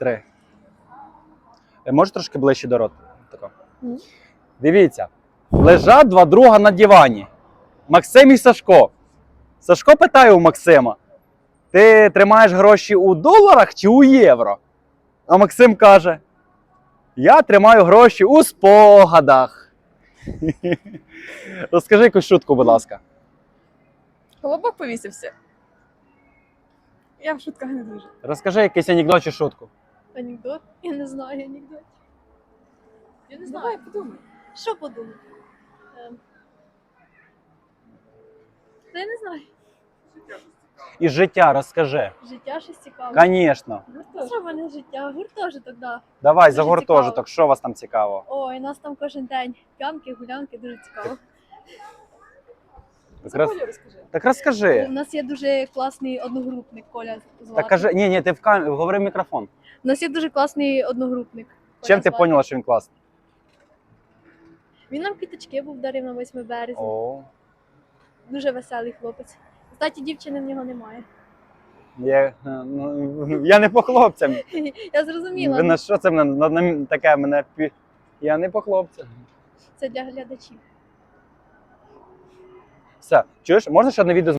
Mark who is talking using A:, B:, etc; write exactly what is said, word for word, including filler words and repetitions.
A: Три. Е, Може трошки ближче до рота? Тако.
B: Мгм.
A: Дивіться. Лежать два друга на дивані. Максим і Сашко. Сашко питає у Максима: ти тримаєш гроші у доларах чи у євро? А Максим каже: я тримаю гроші у спогадах. Розкажи якусь шутку, будь ласка.
B: Колобок повісився. Я в шутках не дуже.
A: Розкажи якийсь анекдот чи шутку.
B: Анекдот? Я не знаю анекдот. Я не знаю. Давай, подумай. Що подумати? Ем. Та я не знаю.
A: Із життя розкажи.
B: Життя щось цікаве.
A: Звісно.
B: Що в мене життя? Гуртожиток, да.
A: Давай,
B: Дуже
A: за
B: цікаво.
A: гуртожиток, що у вас там цікаво?
B: Ой, нас там кожен день п'янки, гулянки, дуже цікаво.
A: Так, роз...
B: розкажи.
A: так розкажи.
B: У нас є дуже класний одногрупник, Коля звати.
A: Так кажи, ні, ні, ти в кам... говори в мікрофон.
B: У нас є дуже класний одногрупник. Коля
A: Чим ти
B: звати.
A: поняла, що він класний?
B: Він нам квіточки був дарив на восьме березня.
A: О,
B: Дуже веселий хлопець. Кстати, дівчини в нього немає.
A: я, ну, я не по хлопцям.
B: Я зрозуміла.
A: Ви на що це мене на, на, таке мене пі... Я не по хлопцям.
B: Це для глядачів.
A: Все, чуєш, можна ще одне відео